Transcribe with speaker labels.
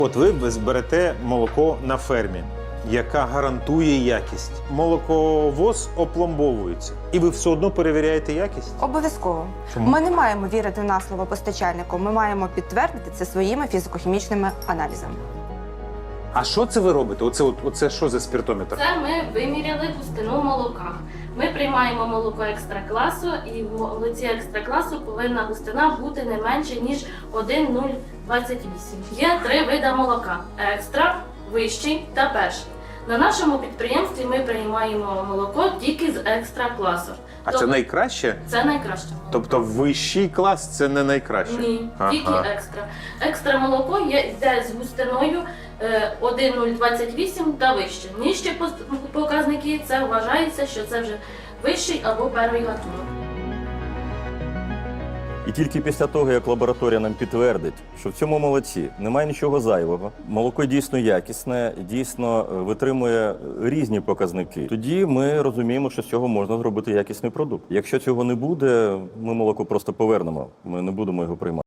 Speaker 1: От ви зберете молоко на фермі, яка гарантує якість. Молоковоз опломбовується. І ви все одно перевіряєте якість?
Speaker 2: Обов'язково.
Speaker 1: Чому?
Speaker 2: Ми не маємо вірити на слово постачальнику, ми маємо підтвердити це своїми фізико-хімічними аналізами.
Speaker 1: А що це ви робите? Оце що за спіртометр?
Speaker 3: Це ми виміряли густину молока. Ми приймаємо молоко екстра-класу, і в молоці екстра-класу повинна густина бути не менше, ніж 1,028. Є 3 види молока – екстра, вищий та перший. На нашому підприємстві ми приймаємо молоко тільки з екстра-класу.
Speaker 1: А це найкраще?
Speaker 3: Це найкраще молоко.
Speaker 1: Тобто вищий клас – це не найкраще?
Speaker 3: Ні,
Speaker 1: Ага.
Speaker 3: тільки екстра. Екстра молоко йде з густиною 1,028 та вище. Нижчі показники – це вважається, що це вже вищий або перший гатунок.
Speaker 4: І тільки після того, як лабораторія нам підтвердить, що в цьому молоці немає нічого зайвого, молоко дійсно якісне, дійсно витримує різні показники, тоді ми розуміємо, що з цього можна зробити якісний продукт. Якщо цього не буде, ми молоко просто повернемо, ми не будемо його приймати.